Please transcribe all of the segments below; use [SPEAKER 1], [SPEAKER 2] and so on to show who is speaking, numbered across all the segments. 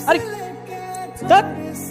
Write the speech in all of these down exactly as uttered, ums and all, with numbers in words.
[SPEAKER 1] আরে ধ্যাৎ।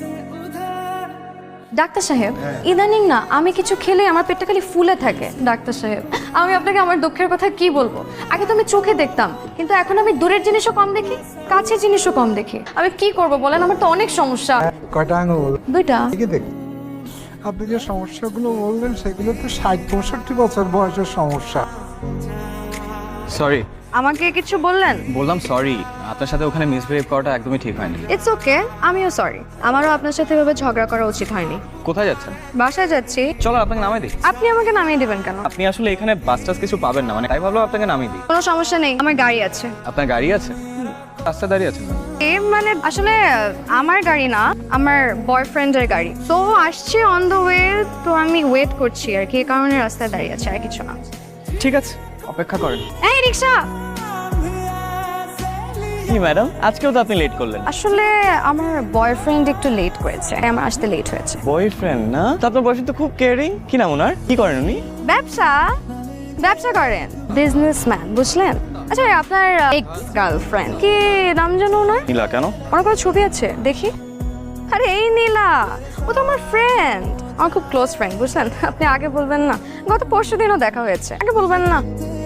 [SPEAKER 2] ডাক্তার সাহেব, ইদানিং না আমি কিছু খেলে আমার পেটটা খালি ফুলে থাকে। ডাক্তার সাহেব, আমি আপনাকে আমার দুঃখের কথা কি বলবো? আগে তো আমি চোখে দেখতাম, কিন্তু এখন আমি দূরের জিনিসও কম দেখি, কাছের জিনিসও কম দেখি। আমি কি করব বলেন? আমার তো অনেক সমস্যা।
[SPEAKER 3] কয়টা আঙুল?
[SPEAKER 2] দুইটা।
[SPEAKER 3] দেখে দেখ, আপনি যে সমস্যাগুলো বললেন সেগুলো তো ষাট পঁয়ষট্টি বছর বয়সের সমস্যা।
[SPEAKER 1] সরি।
[SPEAKER 2] আমাকে কিছু বললেন?
[SPEAKER 1] বললাম সরি, আপনার সাথে ওখানে মিসবিহেভ করাটা একদমই ঠিক হয়নি।
[SPEAKER 2] ইটস ওকে, আমিও সরি। আমারও আপনার সাথে এভাবে ঝগড়া করা উচিত হয়নি।
[SPEAKER 1] কোথায় যাচ্ছেন?
[SPEAKER 2] বাসায় যাচ্ছি।
[SPEAKER 1] চলো আপনাকে নামিয়ে দিই।
[SPEAKER 2] আপনি আমাকে নামিয়ে দিবেন কেন?
[SPEAKER 1] আপনি আসলে এখানে বাস টাস কিছু পাবেন না, মানে তাই ভাবলাম আপনাকে নামিয়ে দিই।
[SPEAKER 2] কোনো সমস্যা নেই, আমার গাড়ি আছে।
[SPEAKER 1] আপনার গাড়ি আছে? রাস্তায় দাঁড়িয়ে আছেন?
[SPEAKER 2] এ মানে আসলে আমার গাড়ি না, আমার বয়ফ্রেন্ডের গাড়ি। তো আসছে অন দ্য ওয়ে, তো আমি ওয়েট করছি আর কি, এই কারণে রাস্তায় দাঁড়িয়ে আছে, আর কিছু না।
[SPEAKER 1] ঠিক আছে, অপেক্ষা করেন।
[SPEAKER 2] এই রিকশা!
[SPEAKER 1] কি ম্যাডাম, আজকেও তো আপনি লেট করলেন।
[SPEAKER 2] আসলে আমার বয়ফ্রেন্ড একটু লেট করেছে, তাই আমার আসতে লেট হয়েছে।
[SPEAKER 1] বয়ফ্রেন্ড না? তো আপনার বয়ফ্রেন্ড তো খুব কেয়ারিং। কি নাম ওনার? কি করেন উনি?
[SPEAKER 2] ব্যবসা ব্যবসা করেন, বিজনেসম্যান, বুঝলেন? আচ্ছা, আপনার এক্স গার্লফ্রেন্ড কি নাম জানো ওনার?
[SPEAKER 1] নীলা। কেন?
[SPEAKER 2] ওনার কোনো ছবি আছে দেখি? আরে এই নীলা, ও তো আমার ফ্রেন্ড, আমার খুব ক্লোজ ফ্রেন্ড, বুঝলেন? আপনি আগে বলবেন না? গত পরশু দিনও দেখা হয়েছে, আগে বলবেন না?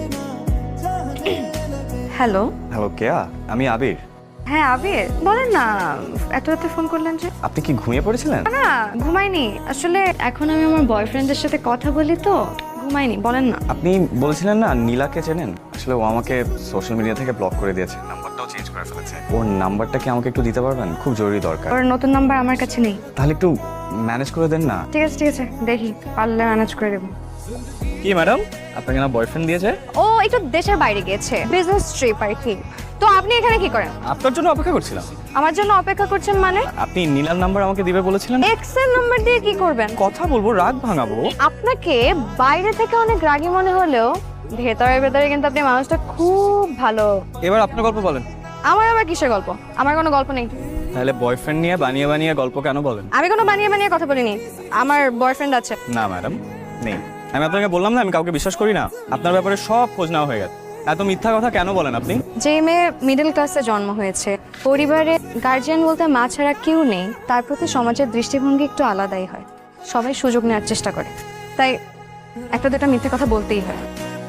[SPEAKER 2] হ্যালো।
[SPEAKER 1] হ্যালো, কেয়া? আমি আবির।
[SPEAKER 2] হ্যাঁ আবির, বলেন না, এত রাতে ফোন করলেন যে?
[SPEAKER 1] আপনি কি ঘুমিয়ে পড়েছিলেন?
[SPEAKER 2] না, ঘুমাইনি। আসলে এখন আমি আমার বয়ফ্রেন্ডের সাথে কথা বলি তো ঘুমাইনি। বলেন না।
[SPEAKER 1] আপনি বলেছিলেন না নীলাকে চেনেন? আসলে ও আমাকে সোশ্যাল মিডিয়া থেকে ব্লক করে দিয়েছে, নাম্বারটাও চেঞ্জ করে ফেলেছে। ওর নাম্বারটা কি আমাকে একটু দিতে পারবেন? খুব জরুরি দরকার।
[SPEAKER 2] ওর নতুন নাম্বার আমার কাছে নেই।
[SPEAKER 1] তাহলে একটু ম্যানেজ করে দেন না।
[SPEAKER 2] ঠিক আছে ঠিক আছে, দেখি পারলে ম্যানেজ করে দেবো।
[SPEAKER 1] কি ম্যাডাম, আপনাকে না বয়ফ্রেন্ড দিয়েছে?
[SPEAKER 2] ও একটু দেশের বাইরে গিয়েছে, বিজনেস ট্রিপ আর কি। তো আপনি এখানে কি করেন?
[SPEAKER 1] আপনার জন্য অপেক্ষা করছিলাম।
[SPEAKER 2] আমার জন্য অপেক্ষা করছেন মানে?
[SPEAKER 1] আপনি নীলার নাম্বার আমাকে দিবে বলেছিলেন।
[SPEAKER 2] এক্স এর নাম্বার দিয়ে কি করবেন?
[SPEAKER 1] কথা বলবো, রাগ ভাঙাবো।
[SPEAKER 2] আপনাকে বাইরে থেকে অনেক রাগী মনে হলেও ভেতরে ভেতরে কিন্তু আপনি মানুষটা খুব ভালো।
[SPEAKER 1] এবার আপনার গল্প বলেন।
[SPEAKER 2] আমার আবার কিসের গল্প? আমার কোনো গল্প নেই।
[SPEAKER 1] তাহলে বয়ফ্রেন্ড নিয়ে বানিয়ে বানিয়ে গল্প কেন বলেন?
[SPEAKER 2] আমি কোনো বানিয়ে বানিয়ে কথা বলিনি, আমার বয়ফ্রেন্ড আছে।
[SPEAKER 1] না ম্যাডাম, নেই। আমি আপনাকে বললাম না আমি কাউকে বিশ্বাস করি না। আপনার ব্যাপারে সব খোঁজ নেওয়া হয়ে গেছে। এত মিথ্যা কথা কেন বলেন আপনি?
[SPEAKER 2] যে মেয়ে মিডল ক্লাসে জন্ম হয়েছে, পরিবারে গার্জিয়ান বলতে মা ছাড়া কেউ নেই, তার প্রতি সমাজের দৃষ্টিভঙ্গি একটু আলাদাই হয়। সবাই সুযোগ নেওয়ার চেষ্টা করে, তাই একটা দুটা মিথ্যে কথা বলতেই হয়।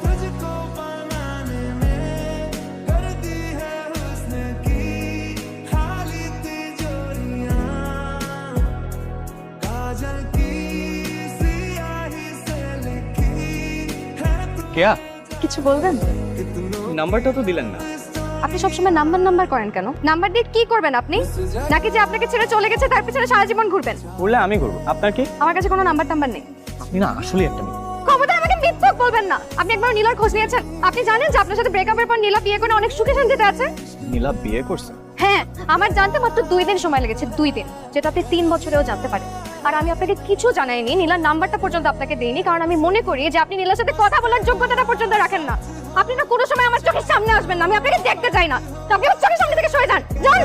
[SPEAKER 1] কেয়া,
[SPEAKER 2] কিছু বলবেন?
[SPEAKER 1] নাম্বারটা তো দিলেন না।
[SPEAKER 2] আপনি সবসময় নাম্বার নাম্বার করেন কেন? নাম্বার দিয়ে কি করবেন আপনি? নাকি যে আপনাকে ছেড়ে চলে গেছে তার পিছনে সারা জীবন ঘুরবেন?
[SPEAKER 1] বললে আমি করবো, আপনার কি?
[SPEAKER 2] আমার কাছে কোনো নাম্বার টাম্বার নেই।
[SPEAKER 1] আপনি না আসলে একটা মেয়ে।
[SPEAKER 2] খবরদার আমাকে মিথ্যক বলবেন না। আপনি একবার নীলার খোঁজ নিয়েছেন? আপনি জানেন যে আপনার সাথে ব্রেকআপের পর নীলা বিয়ে করে অনেক সুখে শান্তিতে আছে?
[SPEAKER 1] নীলা বিয়ে করছে?
[SPEAKER 2] হ্যাঁ, আমার জানতে মাত্র দুই দিন সময় লেগেছে, দুই দিন, যেটা আপনি তিন বছরেও জানতে পারেন। আর আমি আপনাকে কিছু জানাইনি, নীলার নাম্বারটা পর্যন্ত আপনাকে দেইনি, কারণ আমি মনে করি যে আপনি নীলার সাথে কথা বলার যোগ্যতাটা পর্যন্ত রাখেন না। আপনি না কোনো সময় আমার চোখের সামনে আসবেন না, আমি আপনাকে দেখতে চাই না। তো আপনি আমার চোখের সামনে থেকে সরে যান, যান।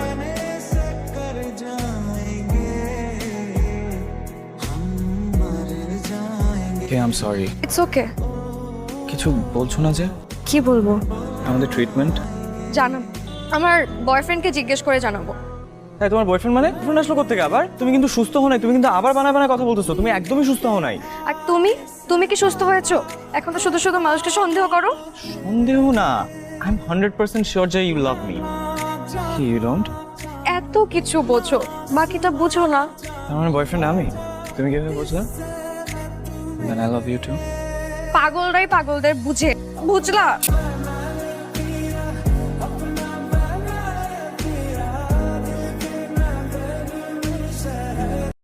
[SPEAKER 1] কে I am sorry.
[SPEAKER 2] It's okay.
[SPEAKER 1] কিছু বলছো না যে?
[SPEAKER 2] কি বলবো?
[SPEAKER 1] আমাদের ট্রিটমেন্ট
[SPEAKER 2] জানান, আমার বয়ফ্রেন্ডকে জিজ্ঞেস করে জানাবো।
[SPEAKER 1] তাই তোমার বয়ফ্রেন্ড মানে? ফোন আসলো কোথা থেকে আবার? তুমি কিন্তু সুস্থ হও নাই, তুমি কিন্তু আবার বানায় বানায় কথা বলতেছো। তুমি একদমই সুস্থ হও নাই।
[SPEAKER 2] আর তুমি তুমি কি সুস্থ হয়েছো? এখন তো শুধু শুধু মানুষকে সন্দেহ করো।
[SPEAKER 1] সন্দেহ না, I am hundred percent sure যে you love me. You don't?
[SPEAKER 2] এত কিছু বোঝো, বাকিটা বুঝো না।
[SPEAKER 1] আমার বয়ফ্রেন্ড আমি? তুমি কিভাবে বুঝলে? Then I love you too.
[SPEAKER 2] পাগলরাই পাগলদের বুঝে, বুঝলা?